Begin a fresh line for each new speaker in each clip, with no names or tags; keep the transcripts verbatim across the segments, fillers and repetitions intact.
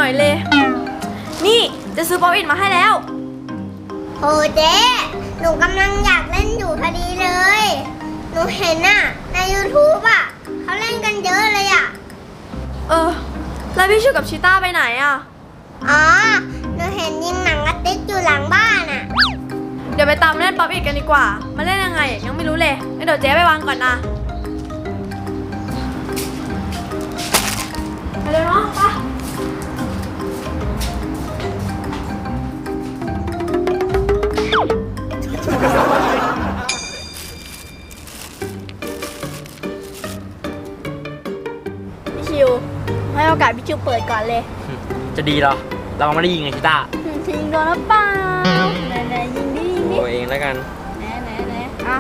น่อยเลย นี่จะซื้อป๊อปอินมาให้แล้ว
โหเจ๊หนูกำลังอยากเล่นอยู่พอดีเลยหนูเห็นน่ะใน ยูทูบ อ่ะเขาเล่นกันเยอะเลยอ่ะ
เออแล้วพี่ชูกับชิต้าไปไหนอ่ะ
อ๋อหนูเห็นยิงหนังกระติกอยู่หลังบ้านอ่ะ
เดี๋ยวไปตามเล่นป๊อปอินกันดีกว่ามาเล่นยังไงยังไม่รู้เลยงั้นเดี๋ยวเจ๊ไปวางก่อนนะไปเลยเนาะไปพี่ชิวให้โอกาสพี่ชิวเปิดก่อนเลย
จะดีเหรอเราไม่ได้ยิงไงชิต้า
ยิงโดนหรือเปล่าไหนๆยิงดิยิงดิ
โอ้เองแล้วกัน
ไหนไหนไหนอ่ะ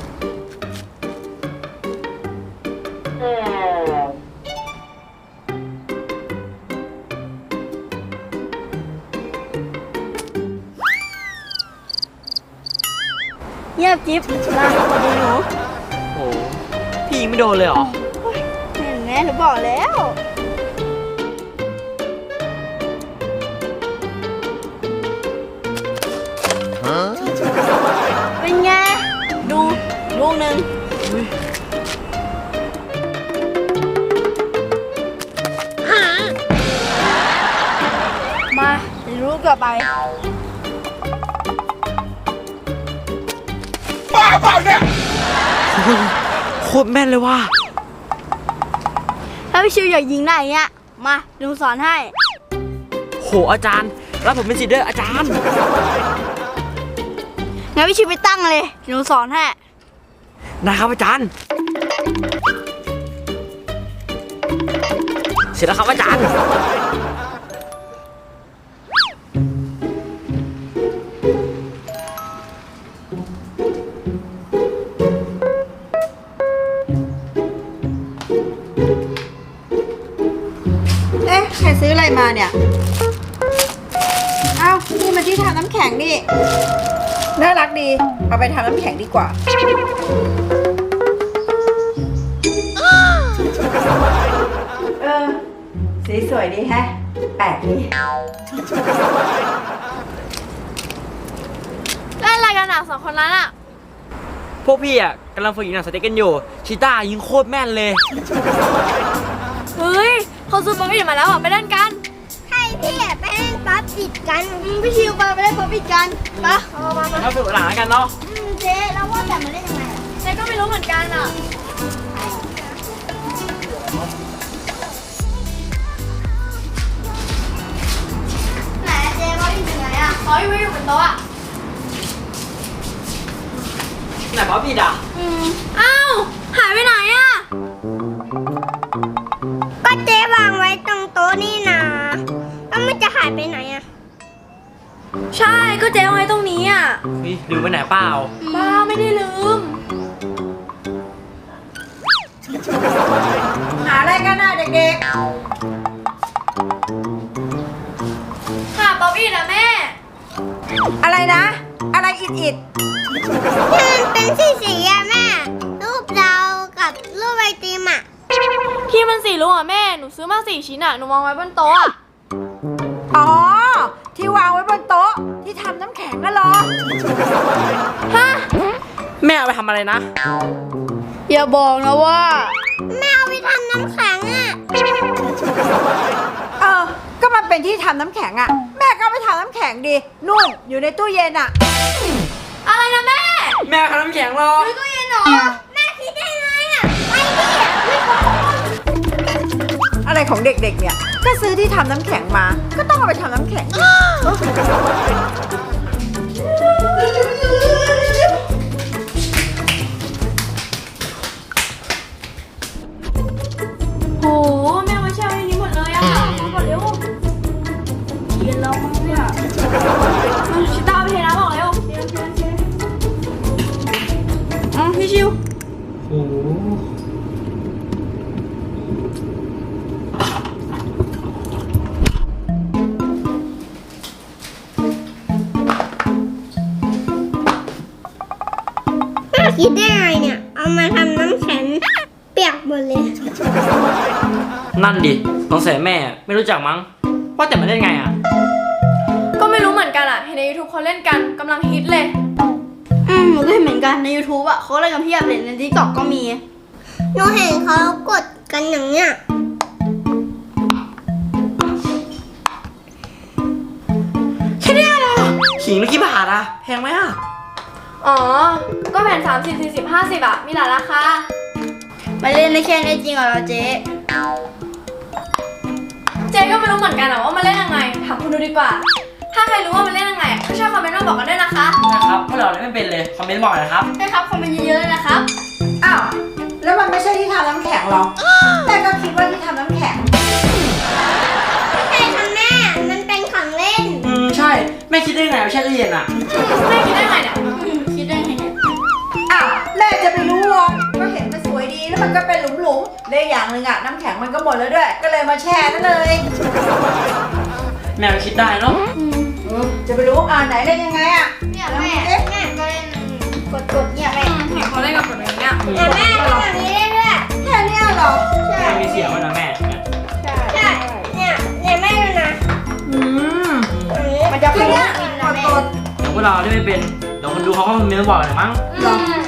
เงียบจิ๊บมาดูหนู
โอ้พี่ยิงไม่โดนเลยเหรอ
เห็นไหมหนูบอกแล้วเป็นไงดูลูกหนึ่งมาเดี๋ยวลูกต่อไป
ป้าเปล่าเนี่ยโคตรแม่นเลยว่ะ
ถ้าพี่ชิวอยากยิงได้เงี้ยมาลุงสอนให้
โหอาจารย์รับผมเป็นศิษย์ด้วยอาจารย์
งั้นพี่ชิวไปตั้งเลยหนูสอนให้
นะครับอาจารย์เสร็จแล้วครับอาจารย์
เอ๊ะใครซื้ออะไรมาเนี่ยอ้าวนี่มาที่ทำน้ำแข็งนี่น่ารักดีเอาไปทำน้ำแข็งดีกว่าเออสีสวยดีแฮะแปลกดี
เล่นอะไรกันอ่ะสองคนนั้นอ่ะ
พวกพี่อ่ะกำลังฝึกยิงหนังสเต็กกันอยู่ชิต้ายิงโคตรแม่นเลย
เฮ้ยเขาซื้อป๊อปอินมาแล้วอ่ะไปเล่นกัน
ใช่พี่ไปเล่นป๊อปอินกัน
พี่ชิวไปไปเล่นป๊อปอินกันปะ
เอามามาฝึกหลังกันเนาะ
เจ๊แล้วว่าแต่มาเล่นยังไงอ่ะ
เจ๊ก็ไม่รู้เหมือนกันอ่ะไหนเจ๊ป๊อปอินอยู่ไหนอ่ะอ๋ออยู่อยู่บนโต๊ะอ่ะ
ไหนป๊อปอินอ่ะ
อืมอ้าวหายไปไหนอ่ะ
ก็เจ๊วางไว้ตรงโต๊ะนี่นะแล้วมันจะหายไปไหนอ่ะ
ใช่ก็เจ๊วางไว้ตรงนี้อ่ะ
นี่ลืมไปไหนเปล่า
บ้าไม่ได้ลืม
หาอะไรกันน่ะเด็กๆ
หาป๊อปอินอะแม่
อะไรนะอะไรอิดอิด
มันเป็นสีสีอะแม่รูปเรากับรูปไอติมอะ
ที่มันสีลูกอะแม่หนูซื้อมาสี่ชิ้นอะหนูวางไว้บนโต๊ะอะ
อ๋อที่วางไว้บนโต๊ะที่ทำน้ำแข็งน่ะเหรอ
ฮะ
แม่เอาไปทำอะไรนะ
อย่าบอกนะว่า
แม่เอาไปทำน้ำแข็งอะ
เออก็มันเป็นที่ทำน้ำแข็งอะแม่ก็ไปทำน้ำแข็งดินู่นอยู่ในตู้เย็นอะ
อะไรนะแม่
แม่ทำน้ำแข็งหรอ
ในตู้เย็นเหรอ
แม่คิดได้ไงอะไปดิ
อะไรของเด็กๆเนี่ยก็ซื้อที่ทำน้ำแข็งมาก็ต้องเอาไปทำน้ำแข็ง
โหแม่มาแช่ไว้ในนี้หมดเลยอะมาหมดเร็วเย็นแล้วมั้งเนี่ยชิต้าไปเทน้ำออกเร็วอ๋อพี่ชิว
โอ้
คิดได้ไงเนี่ยเอามาทำน้ำแข็งเปียกหมดเลย
นั่นดิสงสัยแม่ไม่รู้จักมั้งว่าแต่มันเล่นไงอ่ะ
ก็ไม่รู้เหมือนกันอ่ะ เห็นใน ยูทูบ เขาเล่นกันกำลังฮิตเลย
อืมหนูก็เห็นเหมือนกันใน ยูทูบ อ่ะเขาเล่นกันเพียบเลยใน ติ๊กต็อก ก็มี
หนูเห็นเขากดกันอย่างเนี้ย
แค่เนี้ยเหรอขิงละกี่บาทอะแพงไหมอะ
อ๋อ ก็แผ่นสามสิบ สี่สิบ ห้าสิบอ่ะ มีหลายราคา
มาเล่นในแค่นี้จริงเหรอเจ๊
เจ๊ก็ไม่รู้เหมือนกันอ่ะว่ามันเล่นยังไง ถามคุณดูดีกว่า ถ้าใครรู้ว่ามันเล่นยังไงก็ช่วยคอมเมนต์มาบอกกันด้วยนะคะ
นะครับพวกเราเล่นไม่เป็นเลย คอมเมนต์บอกหน่อยนะครับ
ให้ครับคอมเมนต์เยอะๆเลยนะครับ
อ้าว แล้วมันไม่ใช่ที่ทำน้ำแข็งหรอ แม่ก็คิดว่าที่ทำน้ำแข็ง
ใช่ค่ะแม่ มันเป็นของเล่น
อืมใช่ แม่คิดได้ไงว่าแช่ตู้เย็นอะ
แม่คิดได้ไงเนี่ย
อืมคิดได้ไงเนี่ย
อ้าวแม่จะไปรู้หรอก็เห็นมันสวยดีแล้วมันก็เป็นหลุมๆเลยอย่างหนึ่งอะน้ำแข็งมันก็หมดแล้วด้วย ก็เลยมาแช่นั่นเลย
แม่ก็คิดได้เนาะ
เออจะไปรู้อ่าไหนเล่นยังไงอะ
เนี่ยแม่แม่ก็เล่นกดๆเนี่ยแม่
เห็นเขาเล่นกับคนอย่างเงี้ย
แต่แม่ทำแบบนี้ได้ด้วย
แค่เนี้ยเหรอ
ใช่
แม่มีเสียงไว้นะแม่เนี่ย
ใช่ เนี่ยเนี่ยแม่ดูนะ
อืม
อย่างนี้
มันจะ
แค่
เป็น
เนี้ย
กิน
ก
นะ
ด
แม่
กด
เดี๋ยวพวกเราเล่นไม่เป็น เดี๋ยวคนดูเขาก็คอมเมนต์มาบอกหน่อยมั้ง
อืม